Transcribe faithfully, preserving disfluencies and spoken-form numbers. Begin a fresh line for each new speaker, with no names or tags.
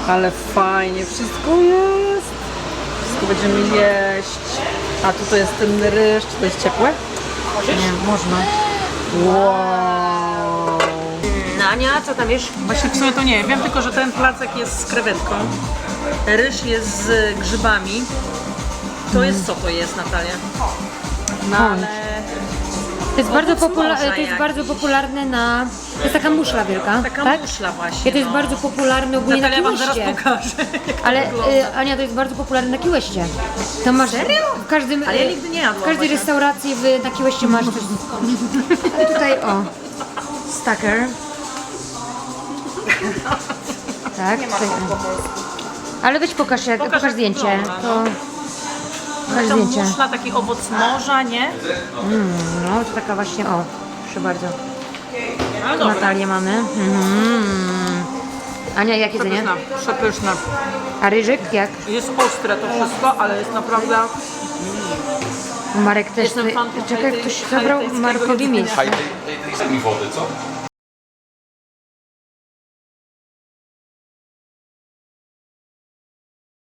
Ale fajnie, wszystko jest. Wszystko będziemy jeść. A tutaj jest ten ryż, czy to jest ciepłe?
Nie, można.
Wow.
Ania, co tam wiesz?
Właśnie w sumie to nie wiem, tylko że ten placek jest z krewetką. Ryż jest z grzybami. To jest co to jest, Natalia? No ale...
To jest, bardzo, popula-
morza
to jest
jakiś.
bardzo popularne na... To jest taka muszla wielka,
Taka
tak?
muszla właśnie.
I to jest
no.
bardzo popularne ogólnie
Natalia
na
wam zaraz
Key-Westie.
pokaże, jak to
Ale
wygląda.
y, Ania, to jest bardzo popularne na Key-Westie. To masz w każdym,
Ale ja
y,
nigdy nie jadłam
w każdej
właśnie.
restauracji w, na Key-Westie masz coś. Ale tutaj o, stacker. Tak, tutaj, o. Ale weź pokaż, jak,
Pokaż,
pokaż
jak
zdjęcie.
wygląda,
To, pokaż
To
zdjęcie.
muszla, taki owoc morza, nie?
No, to taka właśnie, o, proszę bardzo.
Ale dobra.
Natalię mamy. Mm. Ania, jak jedzenie?
Przepyszna, przepyszna.
A ryżyk jak?
Jest ostre to wszystko, ale jest naprawdę...
Marek też.
Jestem
Ty,
fanką
czekaj,
tej-
ktoś
tej-
zabrał
tej-
Markowi
tego
miejsce.
Haj, daj, daj, daj mi wody, co?